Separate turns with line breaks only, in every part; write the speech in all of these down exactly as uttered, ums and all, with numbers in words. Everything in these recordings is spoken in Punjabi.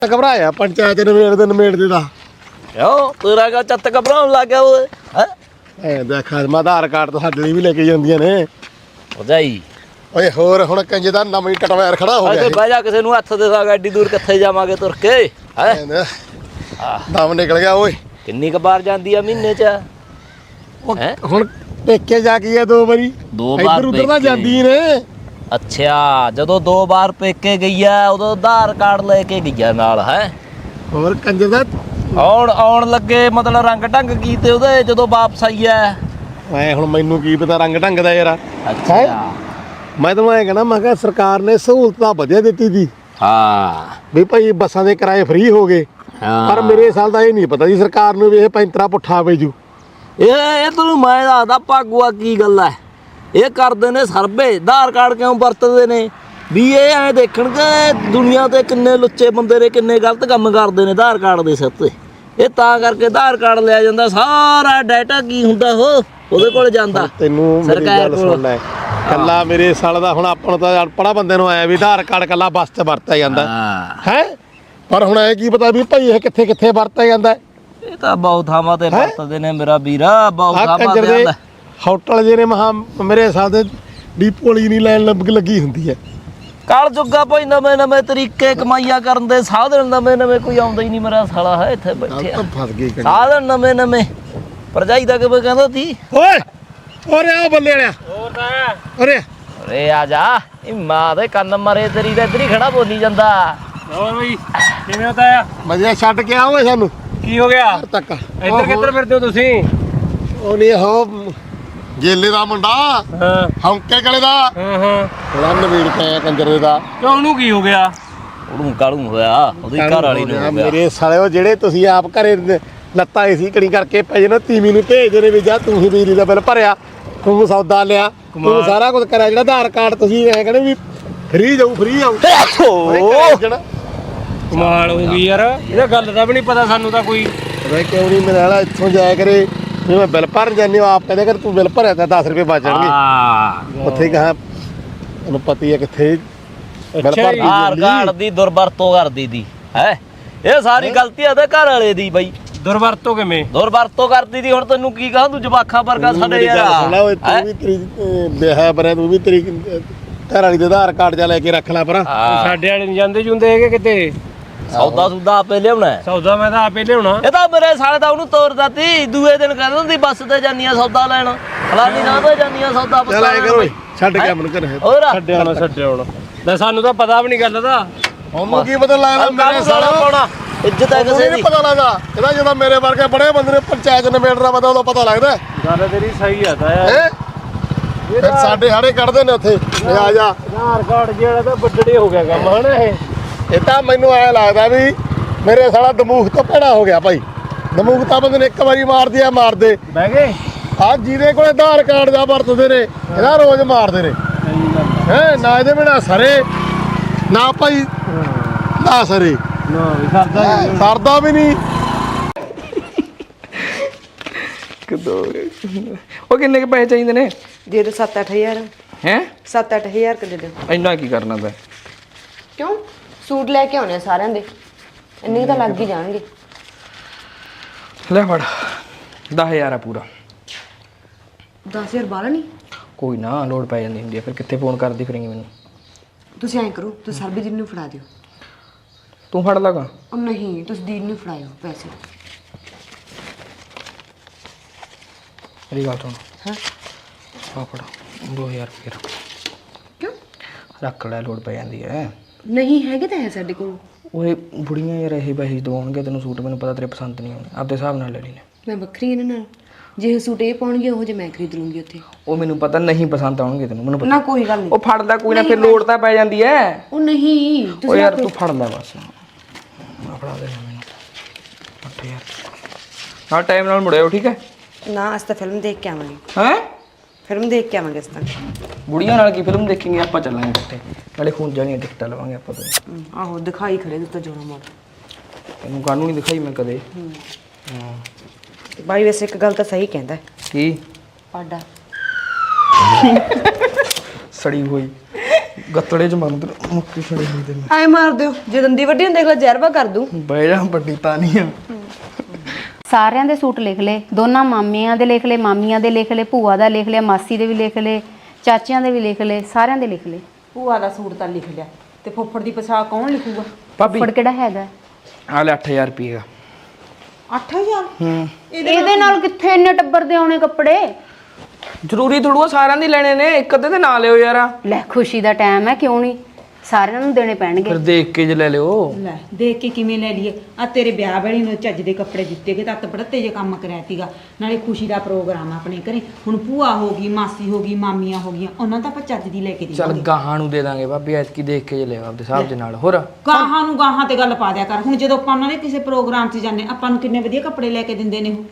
घबराया पंचायत नवेड़ दे नवेड़ दे दा
क्यों तेरा का चत्त घबराउण लग गया ओए हैं
ए देख मैं आधार कार्ड तो ਸਾਡੇ ਲਈ ਵੀ ਲੈ ਕੇ ਜਾਂਦੀਆਂ ਨੇ
ਭਜਾਈ
ਓਏ ਹੋਰ ਹੁਣ ਕੰਜੇ ਦਾ ਨਵੀਂ ਟਟਵੈਰ ਖੜਾ ਹੋ ਗਿਆ
ਤੇ ਬਹਿ ਜਾ ਕਿਸੇ ਨੂੰ ਹੱਥ ਦੇ ਸਾਗ ਐਡੀ ਦੂਰ ਕਿੱਥੇ ਜਾਵਾਂਗੇ ਤੁਰ ਕੇ ਹੈ
ਦਮ ਨਿਕਲ ਗਿਆ ਓਏ
ਕਿੰਨੀ ਕੁ ਵਾਰ ਜਾਂਦੀ ਆ ਮਹੀਨੇ ਚ
ਹੈ ਹੁਣ ਪੇਕੇ ਜਾ ਕੇ ਆ ਦੋ ਵਾਰੀ
ਦੋ ਵਾਰ
ਇੱਧਰ ਉੱਧਰ ਤਾਂ ਜਾਂਦੀ ਨੇ
ਅੱਛਾ ਜਦੋਂ ਦੋ ਵਾਰ ਪੇਕੇ ਗਈ ਆ ਉਦੋਂ ਆਧਾਰ ਕਾਰਡ ਲੈ ਕੇ ਗਿਆ ਨਾਲ ਹੈ
ਹੋਰ ਕੰਜੇ ਦਾ
ਆਉਣ ਆਉਣ ਲੱਗੇ ਮਤਲਬ ਰੰਗ ਢੰਗ ਕੀਤੇ ਉਹਦੇ ਜਦੋਂ ਵਾਪਸ ਆਈ ਐ
ਐ ਹੁਣ ਮੈਨੂੰ ਕੀ ਪਤਾ ਰੰਗ ਢੰਗ ਦਾ ਯਾਰ
ਅੱਛਾ
ਮੈਂ ਤੁਹਾਨੂੰ ਐ ਕਹਿਣਾ ਮੈਂ ਕਿਹਾ ਸਰਕਾਰ ਨੇ ਸਹੂਲਤਾਂ ਵਧੀਆ ਦਿੱਤੀ ਸੀ
ਹਾਂ
ਵੀ ਭਾਈ ਬੱਸਾਂ ਦੇ ਕਿਰਾਏ ਫ੍ਰੀ ਹੋ ਗਏ ਪਰ ਮੇਰੇ ਸਾਲ ਦਾ ਇਹ ਨਹੀਂ ਪਤਾ ਜੀ ਸਰਕਾਰ ਨੂੰ ਵੀ ਇਹ ਪੈਂਤਰਾ ਪੁੱਠਾ ਵੇਜੂ
ਇਹ ਇਹ ਤੈਨੂੰ ਮੈਂ ਦੱਸਦਾ ਭਾਗੂਆ ਕੀ ਗੱਲ ਐ ਇਹ ਕਰਦੇ ਨੇ ਸਰਵੇ ਆਧਾਰ ਕਾਰਡ ਕਿਉਂ ਵਰਤਦੇ ਨੇ ਵੀ ਇਹ ਐ ਦੇਖਣਗੇ ਦੁਨੀਆ ਤੇ ਕਿੰਨੇ ਲੁੱਚੇ ਬੰਦੇ ਨੇ ਕਿੰਨੇ ਗਲਤ ਕੰਮ ਕਰਦੇ ਨੇ ਆਧਾਰ ਕਾਰਡ ਦੇ ਸਿਰ ਤੇ ਇਹ ਤਾਂ ਕਰਕੇ ਆਧਾਰ ਕਾਰਡ ਲਿਆ ਜਾਂਦਾ ਸਾਰਾ ਡਾਟਾ ਕੀ ਹੁੰਦਾ ਉਹ ਉਹਦੇ ਕੋਲ ਜਾਂਦਾ
ਤੈਨੂੰ ਮੇਰੀ ਗੱਲ ਸੁਣ ਲੈ ਕੱਲਾ ਮੇਰੇ ਸਾਲ ਦਾ ਹੁਣ ਆਪਾਂ ਨੂੰ ਤਾਂ ਅਨਪੜਾ ਬੰਦੇ ਨੂੰ ਆਇਆ ਵੀ ਆਧਾਰ ਕਾਰਡ ਕੱਲਾ ਬੱਸ 'ਚ ਵਰਤਿਆ ਜਾਂਦਾ ਹੈ ਪਰ ਹੁਣ ਐ ਕੀ ਪਤਾ ਵੀ ਭਾਈ ਇਹ ਕਿੱਥੇ ਕਿੱਥੇ ਵਰਤਿਆ ਜਾਂਦਾ
ਇਹ ਤਾਂ ਬਹੁਤ ਥਾਵਾਂ ਤੇ ਵਰਤਦੇ ਨੇ ਮੇਰਾ ਵੀਰਾ ਬਹੁਤ ਥਾਵਾਂ ਤੇ ਆਂਦਾ
ਹੋਟਲ ਜਿਹੜੇ ਮਹਾ ਮੇਰੇ ਸਾਲ ਦੇ ਡੀਪੋ ਵਾਲੀ ਨਹੀਂ ਲਾਈਨ ਲੱਗੀ ਹੁੰਦੀ ਹੈ
ਕਾਲ ਜੁੱਗਾ ਭਾਈ ਨਵੇਂ ਨਵੇਂ ਤਰੀਕੇ ਕਮਾਈਆਂ ਕਰਨ ਦੇ ਸਾਧਨ ਨਵੇਂ ਨਵੇਂ ਕੋਈ ਆਉਂਦਾ ਹੀ ਨਹੀਂ ਮੇਰਾ ਸਾਲਾ ਹੈ ਇੱਥੇ ਬੈਠੇ ਆ
ਫਸ ਗਈ
ਸਾਧਨ ਨਵੇਂ ਨਵੇਂ ਭਰਜਾਈ ਦਾ ਕਿਵੇਂ ਕਹਿੰਦਾ ਸੀ
ਓਏ ਓਰੇ ਆ ਬੱਲੇ ਵਾਲਿਆ
ਹੋਰ ਤਾਂ
ਓਰੇ
ਓਰੇ ਆ ਜਾ ਇਹ ਮਾਂ ਦੇ ਕੰਨ ਮਰੇ ਤੇਰੀ ਦਾ ਇੱਧਰ ਹੀ ਖੜਾ ਬੋਲੀ ਜਾਂਦਾ
ਹੋਰ ਬਈ ਕਿਵੇਂ ਹੁੰਦਾ ਆ
ਮਜੇ ਛੱਡ ਕੇ ਆਓ ਸਾਨੂੰ
ਕੀ ਹੋ ਗਿਆ
ਤੱਕ
ਇੱਧਰ ਕਿੱਧਰ ਫਿਰਦੇ ਹੋ ਤੁਸੀਂ
ਉਹ ਨਹੀਂ ਹੋ ਗੇਲੇ ਦਾ ਮੁੰਡਾ
ਹਾਂ
ਹੌਂਕੇ ਕਲੇ ਦਾ
ਹਾਂ ਹਾਂ
ਉਹਦਾ ਨਵੀੜ ਪਿਆ ਕੰਜਰ ਦੇ ਦਾ
ਕਿਉਂ ਉਹਨੂੰ ਕੀ ਹੋ ਗਿਆ
ਉਹਨੂੰ ਕਾਲੂ ਹੋਇਆ ਉਹਦੀ ਘਰ ਵਾਲੀ ਨੂੰ ਹੋ ਗਿਆ
ਮੇਰੇ ਸਾਲੇ ਉਹ ਜਿਹੜੇ ਤੁਸੀਂ ਆਪ ਘਰੇ ਲੱਤਾਂ ਏਸੀ ਕਣੀ ਕਰਕੇ ਪੈ ਜੇ ਨਾ ਤੀਵੀਂ ਨੂੰ ਭੇਜਦੇ ਨੇ ਵੀ ਜਾ ਤੂੰ ਹੀ ਬਿਜਲੀ ਦਾ ਬਿੱਲ ਭਰਿਆ ਤੂੰ ਸੌਦਾ ਲਿਆ ਤੂੰ ਸਾਰਾ ਕੁਝ ਕਰਿਆ ਜਿਹੜਾ ਆਧਾਰ ਕਾਰਡ ਤੁਸੀਂ ਐ ਕਹਿੰਦੇ ਵੀ ਫ੍ਰੀ ਜਾਊ ਫ੍ਰੀ ਜਾਊ
ਕਮਾਲ ਹੋ ਗਈ ਯਾਰ ਇਹਦਾ ਗੱਲ ਦਾ ਵੀ ਨਹੀਂ ਪਤਾ ਸਾਨੂੰ ਤਾਂ ਕੋਈ
ਵੇ ਕਿਉਂ ਨਹੀਂ ਮੇਰੇ ਵਾਲਾ ਇੱਥੋਂ ਜਾਇਆ ਕਰੇ ਜੇ ਮੈਂ ਬਿੱਲ ਭਰਨ ਜਾਂਦੀ ਹਾਂ ਆਪ ਕਹਿੰਦੇ ਕਰ ਤੂੰ ਬਿੱਲ ਭਰਿਆ ਤਾਂ ਦਸ ਰੁਪਏ ਬਚ ਜਾਣਗੇ
ਹਾਂ
ਉੱਥੇ ਕਹਾਂ ਉਹਨੂੰ ਪਤੀ ਹੈ ਕਿੱਥੇ ਬਿੱਲ ਭਰ
ਆਧਾਰ ਕਾਰਡ ਦੀ ਦੁਰਵਰਤੋਂ ਕਰਦੀ ਦੀ ਹੈ ਇਹ ਸਾਰੀ ਗਲਤੀ ਉਹਦੇ ਘਰ ਵਾਲੇ ਦੀ ਬਈ
ਦੁਰਵਰਤੋਂ ਕਿਵੇਂ
ਦੁਰਵਰਤੋਂ ਕਰਦੀ ਦੀ ਹੁਣ ਤੈਨੂੰ ਕੀ ਕਹਾਂ ਤੂੰ ਜਵਾਖਾਂ ਵਰਗਾ ਸਾਡੇ ਯਾਰ
ਸੁਣ ਲੈ ਓਏ ਤੂੰ ਵੀ ਤੇਰੀ ਵਿਆਹ ਬਰਿਆ ਤੂੰ ਵੀ ਤੇਰੀ ਘਰ ਵਾਲੀ ਦੇ ਆਧਾਰ ਕਾਰਡ ਜਾ ਲੈ ਕੇ ਰੱਖ ਲੈ ਪਰਾਂ
ਸਾਡੇ ਵਾਲੇ ਨਹੀਂ ਜਾਂਦੇ ਜੁੰਦੇ ਹੈਗੇ ਕਿਤੇ
ਸੌਦਾ ਸੁਦਾ ਆਪੇ ਲਿਆਉਣਾ
ਸੌਦਾ ਮੈਂ ਤਾਂ ਆਪੇ ਲਿਆਉਣਾ
ਇਹ ਤਾਂ ਮੇਰੇ ਸਾਲੇ ਦਾ ਉਹਨੂੰ ਤੋਰਦਾ ਤੀ ਦੂਏ ਦਿਨ ਕਹਿੰਦਾ ਹੁੰਦੀ ਬੱਸ ਤੇ ਜਾਂਦੀਆਂ ਸੌਦਾ ਲੈਣ ਫਲਾਨੀ ਥਾਂ ਤੇ ਜਾਂਦੀਆਂ ਸੌਦਾ
ਚੱਲ ਆਏ ਕਰੋ ਛੱਡ ਕੇ ਮਨ ਕਰ
ਹੋਰ
ਛੱਡਿਆ ਨਾ ਛੱਡਿਆ ਹੁਣ ਲੈ ਸਾਨੂੰ ਤਾਂ ਪਤਾ ਵੀ ਨਹੀਂ ਗੱਲ ਦਾ
ਉਹਨੂੰ ਕੀ ਪਤਾ ਲੱਗਦਾ ਮੇਰੇ ਸਾਲਾ
ਪਾਉਣਾ ਇੱਜ਼ਤ ਹੈ ਕਿਸੇ ਦੀ
ਪਤਾ ਲੱਗਦਾ ਇਹਦਾ ਜਦੋਂ ਮੇਰੇ ਵਰਗੇ ਬੜੇ ਬੰਦੇ ਨੇ ਪੰਚਾਇਤ ਨਵੇੜਨਾ ਪਤਾ ਉਦੋਂ ਪਤਾ ਲੱਗਦਾ
ਗੱਲ ਤੇਰੀ ਸਹੀ ਆ ਤਾਂ
ਹੈ ਫਿਰ ਸਾਡੇ ਹਾੜੇ ਕੱਢਦੇ ਨੇ ਉੱਥੇ ਆ ਜਾ
ਆਧਾਰ ਕਾਰਡ ਜਿਹੜਾ ਤਾਂ ਵੱਡੜੇ ਹੋ ਗਿਆ ਕੰਮ ਹਨਾ ਇਹ
ਇਹ ਤਾਂ ਮੈਨੂੰ ਐ ਲੱਗਦਾ ਵੀ ਮੇਰੇ ਸਾਲਾ ਦਮੂਖ ਤੋਂ ਭੈੜਾ ਹੋ ਗਿਆ ਭਾਈ ਦਮੂਖ ਤਾਂ ਬੰਦੇ ਨੇ ਇੱਕ ਵਾਰੀ ਮਾਰਦੀ ਆ ਮਾਰਦੇ
ਬਹਿ ਗਏ
ਆ ਜਿਹਦੇ ਕੋਲ ਆਧਾਰ ਕਾਰਡ ਦਾ ਵਰਤਦੇ ਨੇ ਇਹਦਾ ਰੋਜ਼ ਮਾਰਦੇ ਨੇ ਹੈ ਨਾ ਇਹਦੇ ਬਿਨਾ ਸਰੇ ਨਾ ਭਾਈ ਨਾ ਸਰੇ
ਨਾ ਵੀ ਸਰਦਾ
ਸਰਦਾ ਵੀ ਨਹੀਂ
ਉਹ ਕਿੰਨੇ ਕੇ ਪੈਸੇ ਚਾਹੀਦੇ ਨੇ
ਦੇ ਦੋ ਸੱਤ ਅੱਠ ਹਜ਼ਾਰ
ਹੈ
ਸੱਤ ਅੱਠ ਹਜ਼ਾਰ ਕ ਦੇ ਦਿਓ
ਇੰਨਾ ਕੀ ਕਰਨਾ ਪੈ
ਕਿਉਂ ਸੂਟ ਲੈ ਕੇ ਆਉਣੇ ਸਾਰਿਆਂ ਦੇ ਇੰਨੇ ਤਾਂ ਲੱਗ ਹੀ ਜਾਣਗੇ
ਲੈ ਫੜ ਦਸ ਹਜ਼ਾਰ ਆ ਪੂਰਾ
ਦਸ ਹਜ਼ਾਰ ਬਾਲਾ ਨਹੀਂ
ਕੋਈ ਨਾ ਲੋੜ ਪੈ ਜਾਂਦੀ ਹੁੰਦੀ ਆ ਫਿਰ ਕਿੱਥੇ ਫੋਨ ਕਰਦੀ ਫਿਰੇਂਗੀ ਮੈਨੂੰ
ਤੁਸੀਂ ਐਂ ਕਰੋ ਤੁਸੀਂ ਸਰਬਜੀਤ ਨੂੰ ਫੜਾ ਦਿਓ
ਤੂੰ ਫੜ ਲਗਾ
ਉਹ ਨਹੀਂ ਤੁਸੀਂ ਦੀਦੀ ਨੂੰ ਫੜਾਇਓ ਪੈਸੇ
ਮੇਰੀ ਗੱਲ ਸੁਣ
ਹਾਂ
ਆ ਫੜ ਦੋ ਹਜ਼ਾਰ ਰੁਪਏ ਰੱਖ
ਕਿਉਂ
ਰੱਖ ਲੈ ਲੋੜ ਪੈ ਜਾਂਦੀ ਹੈ
ਨਹੀਂ ਹੈਗੇ ਤਾਂ ਹੈ ਸਾਡੇ ਕੋਲ
ਓਏ ਬੁੜੀਆਂ ਯਾਰ ਇਹ ਪੈਸੇ ਦਵਾਉਣਗੇ ਤੈਨੂੰ ਸੂਟ ਮੈਨੂੰ ਪਤਾ ਤੇਰੇ ਪਸੰਦ ਨਹੀਂ ਆਉਣੇ ਆਪਦੇ ਹਿਸਾਬ ਨਾਲ ਲੈ ਲਈ ਨੇ
ਮੈਂ ਵੱਖਰੀ ਇਹਨਾਂ ਨਾਲ ਜੇ ਸੂਟ ਇਹ ਪਾਉਣਗੇ ਉਹ ਜੇ ਮੈਂ ਖਰੀਦ ਲੂੰਗੀ ਉੱਥੇ
ਉਹ ਮੈਨੂੰ ਪਤਾ ਨਹੀਂ ਪਸੰਦ ਆਉਣਗੇ ਤੈਨੂੰ ਮੈਨੂੰ ਪਤਾ
ਨਾ ਕੋਈ ਗੱਲ ਨਹੀਂ
ਉਹ ਫੜ ਲੈ ਕੋਈ ਨਾ ਫਿਰ ਲੋੜ ਤਾਂ ਪੈ ਜਾਂਦੀ ਹੈ
ਉਹ ਨਹੀਂ
ਉਹ
ਤੁਸੀਂ
ਯਾਰ ਤੂੰ ਫੜ ਲੈ ਬਸ ਆ ਫੜਾ ਦੇ ਮੈਨੂੰ ਅੱਠ ਹਜ਼ਾਰ ਹਾਂ ਟਾਈਮ ਨਾਲ ਮੁੜਿਓ ਠੀਕ ਹੈ
ਨਾ ਅਸ ਤਾਂ ਫਿਲਮ ਦੇਖ ਕੇ ਆਵਾਂਗੇ
ਹੈ
ਫਿਲਮ ਦੇਖ ਕੇ ਆਵਾਂਗੇ ਅਸ ਤਾਂ
ਬੁੜੀਆਂ ਨਾਲ ਕੀ ਫਿਲਮ ਦੇਖਾਂਗੇ ਆਪਾਂ ਚੱਲਾਂਗੇ ਇਕੱਠੇ ਨਾਲੇ ਖੂਨ ਜਾਣੀਆਂ ਟਿਕਟਾਂ ਲਵਾਂਗੇ ਆਪਾਂ ਤੋਂ
ਹਮ, ਆਹੋ ਦਿਖਾਈ ਖੜੇ ਦਿੱਤਾ ਜੋੜਾ ਮੋੜ
ਤੈਨੂੰ ਕਾਨੂੰ ਨਹੀਂ ਦਿਖਾਈ ਮੈਂ ਕਦੇ ਹਾਂ
ਬਾਈ ਵੈਸੇ ਇੱਕ ਗੱਲ ਤਾਂ ਸਹੀ ਕਹਿੰਦਾ
ਕੀ
ਪਾਡਾ
ਸੜੀ ਹੋਈ ਗੱਤੜੇ ਚ ਮੰਨ ਤੇ ਮੁੱਕੀ ਛੜੇ ਹੋਈ ਤੇ
ਐ ਮਾਰ ਦਿਓ ਜੇ ਦੰਦੀ ਵੱਡੀ ਨੂੰ ਦੇਖ ਲੈ ਜ਼ਹਿਰਵਾ ਕਰ ਦੂੰ
ਬਹਿ ਜਾ ਵੱਡੀ ਤਾਂ ਨਹੀਂ ਆ
ਸਾਰਿਆਂ ਦੇ ਸੂਟ ਲਿਖ ਲਏ, ਦੋਨਾਂ ਮਾਮਿਆਂ ਦੇ ਲਿਖ ਲਏ, ਮਾਮੀਆਂ ਦੇ ਲਿਖ ਲਏ, ਭੂਆ ਦਾ ਲਿਖ ਲਿਆ, ਮਾਸੀ ਦੇ ਵੀ ਲਿਖ ਲਏ, ਚਾਚਿਆਂ ਦੇ ਵੀ ਲਿਖ ਲਏ, ਸਾਰਿਆਂ ਦੇ ਲਿਖ ਲਏ।
ਭੂਆ ਦਾ ਸੂਟ ਤਾਂ ਲਿਖ ਲਿਆ ਤੇ ਫੁੱਫੜ ਦੀ ਪਛਾਣ ਕੌਣ ਲਿਖੂਗਾ?
ਭਾਬੀ
ਫੜ ਕਿਹੜਾ ਹੈਗਾ?
ਆ ਲੈ ਅੱਠ ਹਜ਼ਾਰ ਰੁਪਏ ਦਾ।
ਅੱਠ ਹਜ਼ਾਰ?
ਹੂੰ
ਇਹਦੇ ਨਾਲ ਕਿੱਥੇ ਇੰਨੇ ਟੱਬਰ ਦੇ ਆਉਣੇ ਕੱਪੜੇ?
ਜ਼ਰੂਰੀ ਥੋੜੂ ਸਾਰਿਆਂ ਦੀ ਲੈਣੇ ਨੇ, ਇੱਕ ਅੱਧੇ ਤੇ ਨਾ ਲਿਓ ਯਾਰ।
ਲੈ ਖੁਸ਼ੀ ਦਾ ਟਾਈਮ ਹੈ, ਕਿਉਂ ਨਹੀਂ, ਸਾਰਿਆਂ ਨੂੰ ਦੇਣੇ ਪੈਣਗੇ।
ਫਿਰ ਦੇਖ ਕੇ ਜ ਲੈ ਲਿਓ।
ਲੈ ਦੇਖ ਕੇ ਕਿਵੇਂ ਲੈ ਲਈਏ? ਆ ਤੇਰੇ ਵਿਆਹ ਵੇਲੇ ਨੂੰ ਚੱਜ ਦੇ ਕੱਪੜੇ ਦਿੱਤੇ ਗਏ ਤਾਂ ਅੱਤ ਬੜਤੇ ਜੇ ਕੰਮ ਕਰਿਆ ਤੀਗਾ, ਨਾਲੇ ਖੁਸ਼ੀ ਦਾ ਪ੍ਰੋਗਰਾਮ ਆ ਆਪਣੇ ਘਰੇ। ਹੁਣ ਭੂਆ ਹੋ ਗਈ, ਮਾਸੀ ਹੋ ਗਈ, ਮਾਮੀਆਂ ਹੋ ਗਈਆਂ, ਉਹਨਾਂ ਦਾ ਆਪਾਂ ਚੱਜ ਦੀ ਲੈ ਕੇ
ਚੱਲ
ਦੇਵਾਂਗੇ।
ਗਾਹਾਂ ਨੂੰ ਦੇ ਦਾਂਗੇ ਭਾਬੀ, ਐਤਕੀ ਦੇਖ ਕੇ ਜ ਲਿਓ ਆਪਦੇ ਹਿਸਾਬ ਦੇ ਨਾਲ। ਹੋਰ
ਗਾਹਾਂ ਨੂੰ ਗਾਹਾਂ ਤੇ ਗੱਲ ਪਾ ਦਿਆ ਕਰ। ਹੁਣ ਜਦੋਂ ਆਪਾਂ ਉਹਨਾਂ ਦੇ ਕਿਸੇ ਪ੍ਰੋਗਰਾਮ 'ਚ ਜਾਂਦੇ ਆਪਾਂ ਨੂੰ ਕਿੰਨੇ ਵਧੀਆ ਕੱਪੜੇ ਲੈ ਕੇ ਦਿੰਦੇ ਨੇ ਉਹ।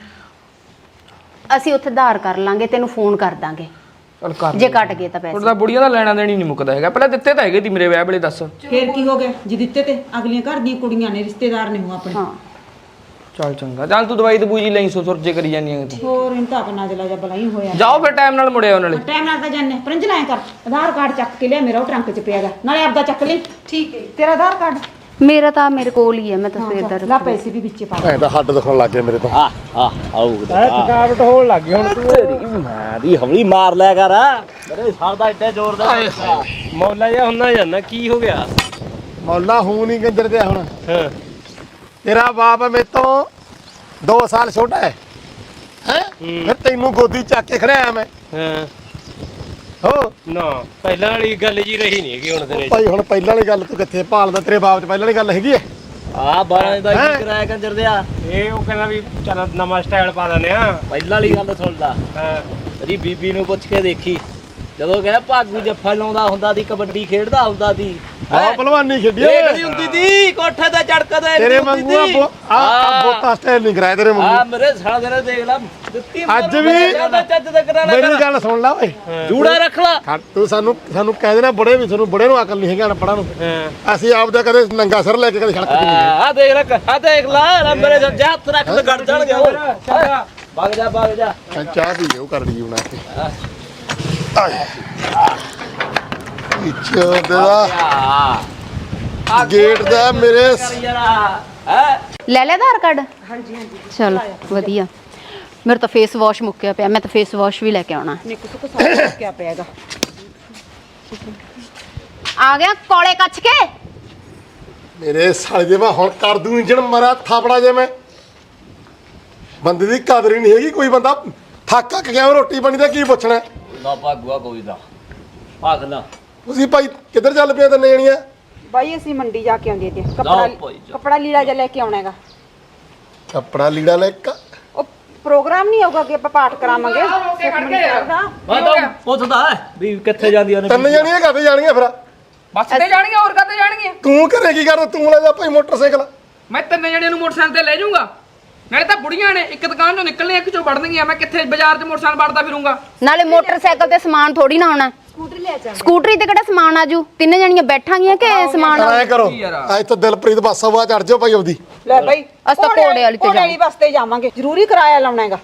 ਅਸੀਂ ਉੱਥੇ ਧਾਰ ਕਰ ਲਾਂਗੇ, ਤੈਨੂੰ ਫੋਨ ਕਰ ਦਾਂਗੇ
ਚੱਲ ਕਰ
ਜੇ ਕੱਟ ਗਏ ਤਾਂ ਪੈਸੇ।
ਉਹਦਾ ਬੁੜੀਆਂ ਦਾ ਲੈਣਾ ਦੇਣੀ ਨਹੀਂ ਮੁੱਕਦਾ ਹੈਗਾ। ਪਹਿਲਾਂ ਦਿੱਤੇ ਤਾਂ ਹੈਗੇ ਤੀ ਮੇਰੇ ਵਿਆਹ ਵੇਲੇ, ਦੱਸ।
ਫੇਰ ਕੀ ਹੋ ਗਿਆ ਜੇ ਦਿੱਤੇ ਤੇ? ਅਗਲੀਆਂ ਘਰ ਦੀਆਂ ਕੁੜੀਆਂ ਨੇ, ਰਿਸ਼ਤੇਦਾਰ ਨੇ ਉਹ ਆਪਣੇ।
ਹਾਂ
ਚੱਲ ਚੰਗਾ, ਚੱਲ ਤੂੰ ਦਵਾਈ ਦਬੂਜੀ ਲਈ ਸੋ ਸੁਰਜੇ ਕਰੀ ਜਾਂਦੀਆਂ ਤੂੰ।
ਹੋਰ ਇਹਨੂੰ ਤਾਂ ਆਪਣਾ ਜਲਾ ਜਾ ਬਲਾਈ ਹੋਇਆ।
ਜਾਓ ਫਿਰ ਟਾਈਮ ਨਾਲ ਮੁੜਿਆ ਉਹਨਾਂ ਨਾਲੇ।
ਟਾਈਮ ਨਾਲ ਤਾਂ ਜਾਣੇ ਪਰੰਜ ਲਾਇਆ ਕਰ। ਆਧਾਰ ਕਾਰਡ ਚੱਕ ਕੇ ਲਿਆ, ਮੇਰਾ ਉਹ ਟਰੰਕ 'ਚ ਪਿਆਗਾ, ਨਾਲੇ ਆਪਦਾ ਚੱਕ ਲਈ। ਠੀਕ ਹੈ। ਤੇਰਾ ਆਧਾਰ ਕਾਰਡ
ਮੇਰਾ ਤਾਂ ਮੇਰੇ ਕੋਲ ਹੀ ਹੈ, ਮੈਂ ਤਾਂ ਸਵੇਰ ਦਾ
ਲਾ, ਪੈਸੇ ਵੀ ਵਿੱਚੇ ਪਾ ਦੇ।
ਐਂ ਤਾਂ ਹੱਡ ਦਿਖਣ ਲੱਗ ਗਏ ਮੇਰੇ ਤਾਂ।
ਆ ਆ ਆਉ
ਥਕਾਵਟ ਹੋਣ ਲੱਗ ਗਈ ਹੁਣ ਤੂੰ
ਤੇਰੀ ਮਾਂ ਦੀ ਹੌਲੀ ਮਾਰ ਲਿਆ ਕਰ ਮੇਰੇ ਸਾਹ ਦਾ ਇੱਡੇ ਜ਼ੋਰ ਦਾ
ਮੌਲਾ ਜਿਹਾ ਹੁੰਦਾ ਜਾਂਦਾ ਕੀ ਹੋ ਗਿਆ?
ਮੌਲਾ ਹੂੰ ਨਹੀਂ ਕੰਜਰ ਤੇ ਹੁਣ।
ਹਾਂ
ਤੇਰਾ ਬਾਪ ਮੇਰੇ ਤੋਂ ਦੋ ਸਾਲ ਛੋਟਾ ਹੈ ਹੈ ਫਿਰ ਤੈਨੂੰ ਗੋਦੀ ਚੱਕ ਕੇ ਖੜਿਆ ਮੈਂ।
ਹਾਂ
ਹੋ
ਨਾ ਪਹਿਲਾਂ ਵਾਲੀ ਗੱਲ ਜੀ ਰਹੀ ਨਹੀਂ ਹੈਗੀ ਹੁਣ ਤੇਰੇ ਚ।
ਭਾਈ ਹੁਣ ਪਹਿਲਾਂ ਵਾਲੀ ਗੱਲ ਤੂੰ ਕਿੱਥੇ ਭਾਲਦਾ? ਤੇਰੇ ਬਾਪ ਚ ਪਹਿਲਾਂ ਵਾਲੀ ਗੱਲ ਹੈਗੀ ਹੈ?
ਆ ਬਾਰਾਂ ਦਾ
ਹੈਂ?
ਕੀ ਕਰਾਇਆ ਕੰਜਰ ਦਿਆ?
ਇਹ ਉਹ ਕਹਿੰਦਾ ਵੀ ਚੱਲ ਨਵਾਂ ਸਟਾਈਲ ਪਾ ਦਿੰਦੇ ਆ।
ਪਹਿਲਾਂ ਵਾਲੀ ਗੱਲ ਸੁਣ ਲਾ,
ਹਾਂ
ਤੇਰੀ ਬੀਬੀ ਨੂੰ ਪੁੱਛ ਕੇ ਦੇਖੀ, ਜਦੋਂ ਕਹਿੰਦਾ ਭਾਗੂ ਜੱਫਾ ਲਾਉਂਦਾ ਹੁੰਦਾ ਦੀ, ਕਬੱਡੀ ਖੇਡਦਾ ਹੁੰਦਾ ਦੀ,
ਬਹੁਤ ਭਲਵਾਨੀ ਖੇਡੀ
ਇਹ
ਓਏ।
ਕਿਹੜੀ ਹੁੰਦੀ ਦੀ ਕੋਠੇ ਤੇ ਚੜਕਦੇ
ਤੇਰੇ ਵਾਂਗੂ ਆ ਬੋ- ਆ ਆ ਬੋਤਾ ਸਟਾਈਲ ਨਹੀਂ ਕਰਾਇਆ ਤੇਰੇ
ਆ
ਵਾਂਗੂ।
ਮੇਰੇ ਸਾਲਾ ਦੇ ਦੇਖ ਲਾ ਦਿੱਤੀ
ਅੱਜ ਵੀ-
ਚੱਜ ਤੇ ਕਰਾ ਲੈ
ਮੇਰੀ ਗੱਲ ਸੁਣ ਲੈ ਓਏ।
ਜੂੜਾ ਰੱਖ ਲਾ।
ਖੜ, ਤੂੰ ਸਾਨੂੰ ਸਾਨੂੰ ਕਹਿ ਦੇਣਾ ਬੁੜੇ ਵੀ, ਤੁਹਾਨੂੰ ਬੁੜੇ ਨੂੰ ਅਕਲ ਨਹੀਂ ਹੈਗੀ ਅਨਪੜਾਂ ਨੂੰ।
ਹਾਂ
ਅਸੀਂ ਆਪਦਾ ਕਦੇ ਨੰਗਾ ਸਿਰ ਲੈ ਕੇ ਕਦੇ ਸੜਕ ਤੇ ਨਹੀਂ ਗਏ।
ਆ ਦੇਖ ਰੱਖ, ਆ ਦੇਖ ਲਾ ਮੇਰੇ ਸੱਜੇ ਹੱਥ ਰੱਖ ਤੇ ਗੜ ਜਾਣਗੇ ਉਹ।
ਚੰਗਾ
ਵਗ ਜਾ ਵਗ ਜਾ।
ਮੈਂ ਚਾਹ ਪੀ ਲਿਓ ਕਰ ਲਈ ਬਣਾ ਕੇ। ਆਏ ਇੱਛਾ ਦਾ
ਆ
ਗੇਟ ਦਾ ਮੇਰੇ ਸ-
ਯਾਰਾ ਹੈ
ਲੈ ਲਿਆ ਆਧਾਰ ਕਾਰਡ? ਹਾਂਜੀ ਹਾਂਜੀ ਚਲ ਵਧੀਆ। ਮੇਰਾ ਤਾਂ ਫੇਸ ਵਾਸ਼ ਮੁੱਕਿਆ ਪਿਆ, ਮੈਂ ਤਾਂ ਫੇਸ ਵਾਸ਼ ਵੀ ਲੈ ਕੇ ਆਉਣਾ।
ਨਿੱਕੂ ਸੁੱਕ ਸਾਰਾ ਕਿਆ ਪਿਆਗਾ।
ਆ ਗਿਆ ਕੋਲੇ ਕੱਚ ਕੇ।
ਮੇਰੇ ਸਾਲੇ ਦੇ ਮੈਂ ਹੁਣ ਕਰ ਦੂੰ ਇੰਜਣ ਮਰਾ ਥਾਪੜਾ ਜੇ ਮੈਂ। ਬੰਦੇ ਦੀ ਕਦਰ ਹੀ ਨਹੀਂ ਹੈਗੀ। ਕੋਈ ਬੰਦਾ ਥੱਕ ਅੱਕ ਗਿਆ ਰੋਟੀ ਪਾਣੀ ਦਾ ਕੀ ਪੁੱਛਣਾ?
ਨਾ ਭਾਗੂਆ ਕੋਈ ਦਾ ਭਾਗ ਲਾ।
ਤੁਸੀਂ ਭਾਈ ਕਿੱਧਰ ਚੱਲ ਪਿਆ ਤਿੰਨ ਜਣੀਆਂ?
ਬਾਈ ਅਸੀਂ ਮੰਡੀ ਜਾ ਕੇ ਆਉਂਦੇ ਤੇ
ਜਾਓ
ਕੱਪੜਾ
ਭਾਈ ਜਾਓ।
ਕੱਪੜਾ ਲੀੜਾ ਜਿਹਾ ਲੈ ਕੇ ਆਉਣਾ ਹੈਗਾ।
ਕੱਪੜਾ ਲੀੜਾ ਲੈ ਕੇ
ਉਹ ਪ੍ਰੋਗਰਾਮ ਨਹੀਂ ਹੋਊਗਾ ਕਿ ਆਪਾਂ ਪਾਠ ਕਰਾਵਾਂਗੇ ਸੁਖਮਨੀ ਸਾਹਿਬ ਦਾ।
ਮੈਂ ਤਾਂ ਪੁੱਛਦਾ ਹੈ ਵੀ ਕਿੱਥੇ ਜਾਂਦੀਆਂ ਨੇ
ਤਿੰਨ ਜਣੀਆਂ ਕਾਹਤੇ ਜਾਣੀਆਂ ਫਿਰ?
ਬੱਸ ਤੇ ਜਾਣਗੀਆਂ, ਹੋਰ ਕਾਤੇ ਜਾਣਗੀਆਂ?
ਤੂੰ ਘਰੇ ਕੀ ਕਰਦਾ? ਤੂੰ ਲੈ ਜਾ ਭਾਈ ਮੋਟਰਸਾਈਕਲ।
ਮੈਂ ਤਿੰਨ ਜਣਿਆਂ ਨੂੰ ਮੋਟਰਸਾਈਕਲ ਤੇ ਲੈ ਜਾਊਂਗਾ। ਨਾਲੇ ਤਾਂ ਬੁੜੀਆਂ ਨੇ, ਇੱਕ ਦੁਕਾਨ ਚੋਂ ਨਿਕਲਣੇ, ਇੱਕ ਚੋਂ ਵੜਨਗੀਆਂ। ਮੈਂ ਕਿੱਥੇ ਬਾਜ਼ਾਰ 'ਚ ਮੋਟਰਸਾਈਕਲ ਵੜਦਾ ਫਿਰੂੰਗਾ?
ਨਾਲੇ ਮੋਟਰਸਾਈਕਲ ਤੇ ਸਮਾਨ ਥੋੜੀ ਨਾ ਆਉਣਾ।
ਸਕੂਟਰੀ ਲੈ ਜਾ।
ਸਕੂਟਰੀ ਤੇ ਕਿਹੜਾ ਸਮਾਨ ਆਜੂ? ਤਿੰਨ ਜਣੀਆਂ ਬੈਠਾਂਗੀਆਂ ਕਿ ਸਮਾਨ
ਐ
ਆਊ?
ਕਰੋ ਅੱਜ ਤਾਂ ਦਿਲਪ੍ਰੀਤ ਬੱਸ ਆਵਾ ਚੜ ਜਾਓ ਭਾਈ ਆਪਦੀ।
ਲੈ ਬਾਈ
ਅਸੀਂ ਤਾਂ ਘੋੜੇ ਵਾਲੀ ਤੇ
ਘੋੜੇ ਵਾਲੀ ਬੱਸ ਤੇ ਜਾਵਾਂਗੇ। ਜ਼ਰੂਰੀ ਕਿਰਾਇਆ ਲਾਉਣਾ ਹੈਗਾ।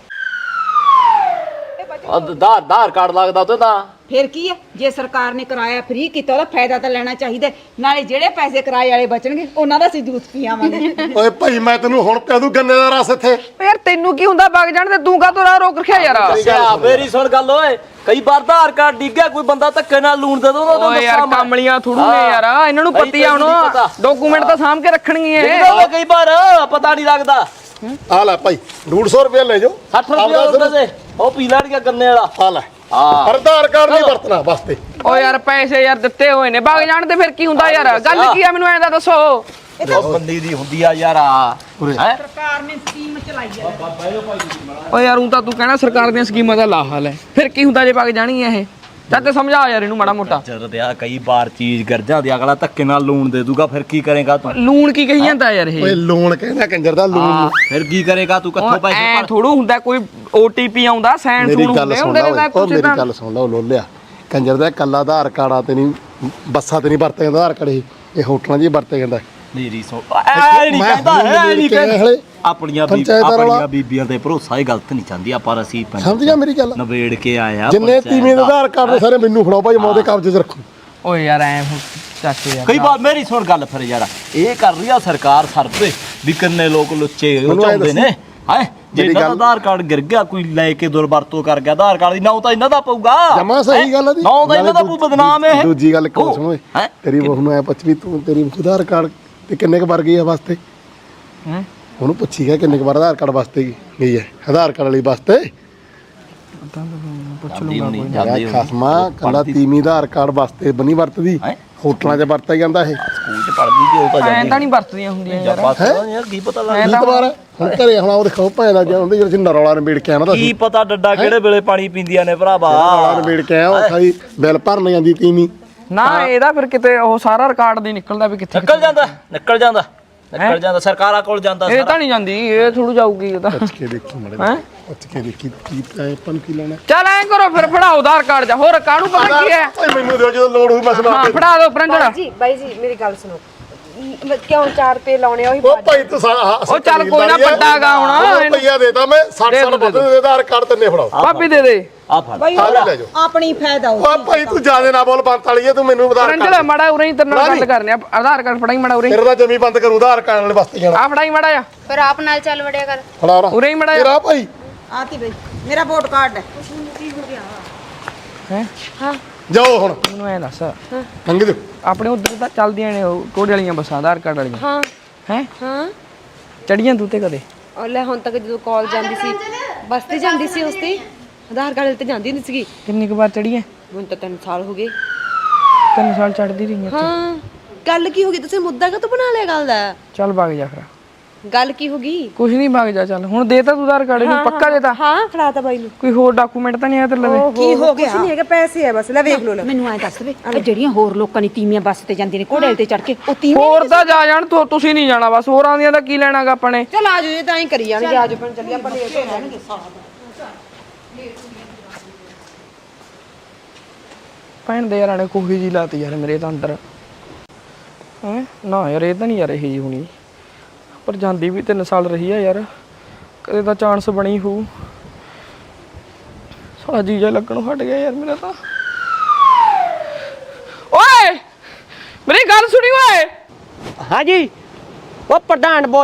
ਆਧਾਰ ਆਧਾਰ ਕਾਰਡ ਲੱਗਦਾ ਉੱਤੇ ਤਾਂ।
ਫਿਰ ਕੀ ਹੈ, ਜੇ ਸਰਕਾਰ ਨੇ ਕਿਰਾਇਆ ਫ੍ਰੀ ਕੀਤਾ ਉਹਦਾ ਫਾਇਦਾ ਤਾਂ ਲੈਣਾ ਚਾਹੀਦਾ। ਨਾਲੇ ਜਿਹੜੇ ਪੈਸੇ ਕਿਰਾਏ ਵਾਲੇ ਬਚਣਗੇ ਉਹਨਾਂ ਦਾ ਅਸੀਂ ਜੂਸ ਪੀ ਆਵਾਂਗੇ।
ਓਏ ਭਾਈ ਮੈਂ ਤੈਨੂੰ ਹੁਣ ਪਿਆ ਦੂੰ ਗੰਨੇ ਦਾ ਰਸ ਇੱਥੇ।
ਯਾਰ ਤੈਨੂੰ ਕੀ ਹੁੰਦਾ ਵਗ ਜਾਣ ਤੇ ਤੂੰ ਕਾਹਤੋਂ ਰਾਹ ਰੋਕ ਰੱਖਿਆ ਯਾਰ?
ਅੱਛਾ ਮੇਰੀ ਸੁਣ ਗੱਲ ਓਏ, ਕਈ ਵਾਰ ਆਧਾਰ ਕਾਰਡ ਡਿੱਗਿਆ, ਕੋਈ ਬੰਦਾ ਧੱਕੇ ਨਾਲ ਲੂਣ ਦੇ ਦੋ ਉਹਨੂੰ
ਓਏ ਯਾਰ ਕਮਲੀਆਂ ਥੋੜੂ ਨੇ ਯਾਰ, ਇਹਨਾਂ ਨੂੰ ਪਤੀ ਆ ਹੁਣ ਡਾਕੂਮੈਂਟ ਤਾਂ ਸਾਂਭ ਕੇ ਰੱਖਣਗੀਆਂ ਇਹ।
ਡਿੱਗਦਾ ਕਈ ਵਾਰ ਪਤਾ ਨਹੀਂ ਲੱਗਦਾ।
ਆ ਲੈ ਭਾਈ ਡੇਢ ਸੌ ਰੁਪਏ ਲੈ ਜਾਓ।
ਸੱਠ ਰੁਪਏ ਉਹਨਾਂ ਦੇ ਉਹ ਪੀ ਲੈਣਗੇ ਗੰਨੇ ਵਾਲਾ।
ਆ ਲੈ
ਹਾਂ
ਪਰ ਆਧਾਰ ਕਾਰਡ ਨਹੀਂ ਵਰਤਣਾ ਬਸ ਤੇ।
ਓ ਯਾਰ ਪੈਸੇ ਯਾਰ ਦਿੱਤੇ ਹੋਏ ਨੇ, ਵਗ ਜਾਣ ਤੇ ਫਿਰ ਕੀ ਹੁੰਦਾ ਯਾਰ? ਗੱਲ ਕੀ ਆ ਮੈਨੂੰ ਐਂ ਤਾਂ ਦੱਸੋ।
ਉਹ ਬੰਦੀ ਦੀ ਹੁੰਦੀ ਆ ਯਾਰ।
ਉਰੇ।
ਹੈ
ਸਰਕਾਰ ਨੇ ਸਕੀਮ ਚਲਾਈ ਹੈ।
ਓ ਯਾਰ ਉਹ ਤਾਂ ਤੂੰ ਕਹਿਣਾ ਸਰਕਾਰ ਦੀਆਂ ਸਕੀਮਾਂ ਦਾ ਲਾਹਲ ਹੈ, ਫਿਰ ਕੀ ਹੁੰਦਾ ਜੇ ਵਗ ਜਾਣਗੀਆਂ ਇਹ? ਚੱਲ ਤੇ ਸਮਝਾ ਯਾਰ ਇਹਨੂੰ ਮਾੜਾ ਮੋਟਾ।
ਜਰ ਆ ਕਈ ਵਾਰ ਚੀਜ਼ ਗਰ ਜਾਂਦੀ, ਅਗਲਾ ਧੱਕੇ ਨਾਲ ਲੂਣ ਦੇ ਦੂਗਾ, ਫਿਰ ਕੀ ਕਰੇਗਾ ਤੂੰ?
ਲੂਣ ਕੀ ਕਹੀ ਜਾਂਦਾ ਯਾਰ ਇਹ?
ਓਏ ਲੋਨ ਕਹਿੰਦਾ ਕੰਜਰ ਦਾ ਲੋਨ।
ਫਿਰ ਕੀ ਕਰੇਗਾ ਤੂੰ? ਕਿੱਥੋਂ ਪੈਸੇ
ਐ
ਭਰ?
ਥੋੜੂ ਹੁੰਦਾ ਕੋਈ ਓਟੀਪੀ ਆਉਂਦਾ, ਸੈਨ
ਮੇਰੀ
ਸੂਨ
ਗੱਲ
ਹੁੰਦੇ
ਸੁਣ
ਹੁੰਦੇ
ਲਾ
ਨੇ ਤਾਂ
ਓਏ, ਉਹ
ਕੁਛ
ਮੇਰੀ
ਤਾਂ।
ਗੱਲ ਸੁਣ ਲਾ। ਉਹ ਲੋਲਿਆ ਕੰਜਰ ਦਾ ਕੱਲਾ ਆਧਾਰ ਕਾਰਡ ਆ ਤੇ ਨਹੀਂ ਬੱਸਾਂ ਤੇ ਨਹੀਂ ਵਰਤੇ ਜਾਂਦਾ ਆਧਾਰ ਕਾਰਡ। ਇਹ ਇਹ ਹੋਟਲਾਂ 'ਚ ਹੀ ਵਰਤੇ ਜਾਂਦਾ।
ਮੇਰੀ ਸੋ ਐ ਨਹੀਂ ਕਹਿੰਦਾ, ਐ ਨਹੀਂ ਕਹਿੰਦਾ। ਆਪਣੀਆਂ ਬੀ-
ਪੰਚਾਇਤ ਵਾਲਾ-
ਆਪਣੀਆਂ ਬੀਬੀਆਂ ਤੇ ਭਰੋਸਾ ਹੀ ਗਲਤ ਨਹੀਂ ਚਾਹੁੰਦੀ ਆ, ਪਰ ਅਸੀਂ
ਸਮਝ ਗਿਆ ਮੇਰੀ ਗੱਲ?
ਨਵੇੜ ਕੇ ਆਇਆ
ਜਿੰਨੇ
ਪੰਚਾਇਤ
ਤੀਵੀਂ ਦੇ
ਦਾ।
ਆਧਾਰ ਕਾਰਡ ਨੇ ਸਾਰੇ ਮੈਨੂੰ ਫੜਾਓ ਭਾਈ, ਮੈਂ ਉਹਦੇ ਕਬਜ਼ੇ 'ਚ ਰੱਖੂ।
ਓਏ ਯਾਰ ਐ ਹੁਣ ਚਾਚੇ ਯਾਰ
ਕਈ ਵਾਰ ਮੇਰੀ ਸੁਣ ਗੱਲ ਫਿਰ ਯਾਰ ਇਹ ਕਰ ਰਹੀ ਆ ਸਰਕਾਰ ਸਰਵੇ ਵੀ ਕਿੰਨੇ ਲੋਕ ਲੁੱਚੇ ਉਹ
ਮੈਨੂੰ ਐਂ
ਚਾਹੁੰਦੇ ਨੇ ਹੈ ਜੇ
ਜਿਹੜੀ
ਇਹਨਾਂ ਦਾ
ਗੱਲ-
ਆਧਾਰ ਕਾਰਡ ਗਿਰ ਗਿਆ ਕੋਈ ਲੈ ਕੇ ਦੁਰਵਰਤੋਂ ਕਰ ਗਿਆ ਆਧਾਰ ਕਾਰਡ ਦੀ ਨਾ ਤਾਂ ਇਹਨਾਂ ਦਾ ਪਊਗਾ
ਜਮਾ ਸਹੀ ਗੱਲ ਆ ਦੀ
ਨਾ ਤਾਂ ਇਹਨਾਂ ਦਾ ਕੋਈ ਬਦਨਾਮ ਇਹ
ਦੂਜੀ ਗੱਲ ਕਿਉਂ ਸੁਣੋ ਓਏ
ਹੈਂ?
ਤੇਰੀ ਬਹੂ ਨੂੰ ਐ ਪੁੱਛ ਵੀ ਤੂੰ ਤੇਰੀ ਆਧਾਰ ਕਾਰਡ ਤੇ ਕਿੰਨੇ ਕੁ ਵਾਰ ਗਈ ਆ ਵਾਸਤੇ
ਹੈਂ?
ਉਹਨੂੰ ਪੁੱਛੀ ਗਿਆ ਕਿੰਨੇ ਕੁ ਵਾਰ ਆਧਾਰ ਕਾਰਡ ਵਾਸਤੇ ਗਈ ਹੈ ਆਧਾਰ ਕਾਰਡ ਵਾਲੀ ਵਾਸਤੇ
ਜਾਂਦੀ ਹੋਣੀ
ਮੇਰਾ
ਜਾਂਦੀ ਹੋਣੀ
ਖਸਮਾ ਕੱਲਾ ਤੀਵੀਂ ਆਧਾਰ ਕਾਰਡ ਵਾਸਤੇ ਬਣੀ ਵਰਤਦੀ
ਹੈਂ?
ਹੋਟਲਾਂ 'ਚ ਵਰਤਿਆ ਜਾਂਦਾ ਇਹ
ਸਕੂਲ ਚ ਪੜ੍ਹਦੀ ਤੇ ਉਹ ਤਾਂ
ਐਂ
ਜਾਂਦੀ
ਤਾਂ ਨਹੀਂ ਵਰਤਦੀਆਂ ਹੁੰਦੀਆਂ ਯਾਰ
ਬਸ ਯਾਰ ਕੀ ਪਤਾ ਲੱਗ
ਕੀ ਤਵਾਰ ਹੁਣ ਘਰੇ ਹੁਣ ਉਹ ਦੇਖੋ ਭਾਂ ਦਾ ਜਾਂਦੇ ਜਿਹੜੇ ਨਰੌਲਾ ਨਿਬੇੜ ਕੇ ਆਣਾ ਤਾਂ
ਕੀ ਪਤਾ ਡੱਡਾ ਕਿਹੜੇ ਵੇਲੇ ਪਾਣੀ ਪੀਂਦੀਆਂ ਨੇ ਭਰਾਵਾ
ਨਰੌਲਾ ਨਿਬੇੜ ਕੇ ਆਇਆ ਉਹ ਖਾਈ ਬਿੱਲ ਭਰਨ ਜਾਂਦੀ ਤੀਵੀਂ
ਨਾ ਇਹਦਾ ਫਿਰ ਕਿਤੇ ਉਹ ਸਾਰਾ ਰਿਕਾਰਡ ਨਹੀਂ ਨਿਕਲਦਾ ਵੀ ਕਿੱਥੇ
ਨਿਕਲ ਜਾਂਦਾ ਨਿਕਲ ਜਾਂਦਾ ਨਿਕਲ ਜਾਂਦਾ ਸਰਕਾਰਾਂ ਕੋਲ ਜਾਂਦਾ
ਇਹ ਤਾਂ ਨਹੀਂ ਜਾਂਦੀ ਇਹ ਥੋੜੂ ਜਾਊਗੀ ਇਹ ਤਾਂ
ਪੁੱਛ ਕੇ ਦੇਖੀ ਮੜੇ
ਹੈਂ?
ਪੁੱਛ ਕੇ ਦੇਖੀ ਕੀ ਆਪਾਂ ਨੂੰ ਕੀ ਲੈਣਾ
ਚੱਲ ਐਂ ਕਰੋ ਫਿਰ ਫੜਾਓ ਆਧਾਰ ਕਾਰਡ ਜਾ ਹੋਰ ਕਾਹਨੂੰ ਪਤਾ ਕੀ ਹੈ
ਓਏ ਮੈਨੂੰ ਦਿਓ ਜਦੋਂ ਲੋੜ ਹੋਈ ਬਸ ਮੈਂ
ਹਾਂ
ਆਪੇ
ਫੜਾ ਦਿਓ ਪ੍ਰੰਜੜਾ
ਜੀ ਬਾਈ ਜੀ ਮੇਰੀ ਗੱਲ ਸੁਣੋ ਮ- ਕਿਉਂ ਚਾਰ ਰੁਪਏ ਲਾਉਣੇ ਆ ਉਹੀ
ਉਹ ਭਾਈ ਤੂੰ ਸਾਰਾ
ਉਹ ਚੱਲ ਕੋਈ ਨਾ ਵੱਡਾ ਗਾ ਹੁਣ ਇਹਨੂੰ।
ਰੁਪਈਆ ਦੇਤਾ ਮੈਂ ਸੱਠ ਸਾਲ ਵੱਧ ਦੇ ਆਧਾਰ ਕਾਰਡ ਤੰਨੇ ਫੜਾਓ
ਭਾਬੀ ਦੇ ਦੇ
ਆ ਫੜ
ਬਈ
ਆ ਲੈ ਜਾਓ
ਆਪਣੀ ਫਾਇਦਾ ਹੋ
ਓ ਭਾਈ ਤੂੰ ਜਿਆਦੇ ਨਾ ਬੋਲ ਬੰਤ ਵਾਲੀ ਤੂੰ ਮੈਨੂੰ ਆਧਾਰ
ਪ੍ਰੰਜੜਾ
ਕਾਰਡ
ਮੜਾ ਉਰੇ ਹੀ ਤੇਰੇ ਨਾਲ ਗੱਲ ਕਰਨੀ ਆ ਆਧਾਰ ਕਾਰਡ ਫੜਾਈ ਮੜਾ ਉਰੇ
ਤੇਰਾ ਤਾਂ ਜਮੀ ਬੰਦ ਕਰੂ ਆਧਾਰ ਕਾਰਡ ਵਾਲੇ ਵਾਸਤੇ ਜਾਣਾ
ਆ ਫੜਾਈ ਮੜਾ ਜਾ
ਪਰ ਆਪ ਨਾਲ ਚੱਲ ਵੜਿਆ ਕਰ
ਫੜਾ ਰਾ
ਉਰੇ ਹੀ ਮੜਾ
ਤੇਰਾ ਭਾਈ
ਆਤੀ ਬਈ ਮੇਰਾ ਵੋਟ ਕਾਰਡ ਹੈ
ਹੈ
ਜਾਓ ਹੁਣ
ਮੈਨੂੰ ਐ ਦੱਸ
ਲੰਘ ਦਿਓ
ਆਪਣੇ ਉਧਰ ਤਾਂ ਚੱਲਦੀਆਂ ਨੇ ਉਹ ਕੋੜੇ ਵਾਲੀਆਂ ਬੱਸਾਂ ਆਧਾਰ ਕਾਰਡ ਵਾਲੀਆਂ
ਹਾਂ
ਹੈ
ਹਾਂ
ਚੜੀਆਂ ਤੂੰ ਤੇ ਕਦੇ
ਉਹ ਲੈ ਹੁਣ ਤੱਕ ਜਦੋਂ ਕਾਲ ਜਾਂਦੀ ਸੀ ਬੱਸ ਤੇ ਜਾਂਦੀ ਸੀ ਉਸ ਤੇ ਆਧਾਰ ਕਾਰਡ ਤੇ ਜਾਂਦੀ ਨਹੀਂ ਸੀਗੀ
ਕਿੰਨੀ ਕੁ ਵਾਰ ਚੜੀਆਂ
ਹੁਣ ਤਾਂ ਤਿੰਨ ਸਾਲ ਹੋ ਗਏ
ਤਿੰਨ ਸਾਲ ਚੜਦੀ ਰਹੀ ਆ
ਹਾਂ ਗੱਲ ਕੀ ਹੋ ਗਈ ਤੁਸੀਂ ਮੁੱਦਾ ਕਾ ਬਣਾ ਲਿਆ ਗੱਲ ਦਾ
ਚੱਲ ਵਗ ਜਾ ਫਿਰ
ਗੱਲ ਕੀ ਹੋ ਗਈ
ਕੁਛ ਨਹੀਂ ਵਗ ਜਾ ਚੱਲ ਹੁਣ ਦੇਤਾ ਤੂੰ ਆਧਾਰ ਕਾਰਡ ਨੂੰ ਪੱਕਾ ਦੇਤਾ
ਹਾਂ ਫੜਾਤਾ ਬਾਈ ਨੂੰ
ਕੋਈ ਹੋਰ ਡਾਕੂਮੈਂਟ ਤਾਂ ਨਹੀਂ ਆ ਤੇਰੇ ਲਵੇ
ਕੀ ਹੋ ਗਿਆ
ਕੁਛ ਨਹੀਂ ਹੈਗਾ ਪੈਸੇ ਆ ਬਸ ਲੈ ਵੇਖ ਲੋ ਲੈ
ਮੈਨੂੰ ਐ ਦੱਸ ਵੇ ਆ ਜਿਹੜੀਆਂ ਹੋਰ ਲੋਕਾਂ ਦੀ ਤੀਵੀਆਂ ਬੱਸ ਤੇ ਜਾਂਦੀਆਂ ਨੇ ਘੋੜੇ ਤੇ ਚੜ ਕੇ ਉਹ ਤੀਵੀਆਂ
ਹੋਰ ਤਾਂ ਜਾ ਜਾਣ ਤੂੰ ਤੁਸੀਂ ਨਹੀਂ ਜਾਣਾ ਬਸ ਹੋਰਾਂ ਦੀਆਂ ਦਾ ਕੀ ਲੈਣਾਗਾ ਆਪਾਂ ਨੇ
ਚਲ ਆ ਜਾਓ ਇਹ ਤਾਂ ਐਂ ਕਰੀ ਜਾਣਗੇ ਆ ਜਾਓ ਪਣ ਚੱਲੀ ਆਪਾਂ ਲੇਟ ਹੋ ਜਾਣਗੇ
ਭੈਣ ਦੇ ਯਾਰਾਂ ਨੇ ਕੋਹੀ ਜੀ ਲਾਤੀ ਯਾਰ ਮੇਰੇ ਤਾਂ ਅੰਦਰ ਹੈ ਨਾ ਯਾਰ ਇਹ ਤਾਂ ਨਹੀਂ ਯਾਰ ਇਹ ਜੀ ਹੋਣੀ ਪਰ ਜਾਂਦੀ ਵੀ ਤਿੰਨ ਸਾਲ ਰਹੀ ਆ ਯਾਰ ਕਦੇ ਤਾਂ ਚਾਂਸ ਬਣੀ ਹੋਊ ਸਾਲਾ ਜੀਜਾ ਲੱਗਣੋਂ ਹਟ ਗਿਆ ਯਾਰ ਮੇਰਾ ਤਾਂ ਓਏ ਮੇਰੀ ਗੱਲ ਸੁਣੀ ਓਏ
ਹਾਂਜੀ ਉਹ ਪ੍ਰਧਾਨ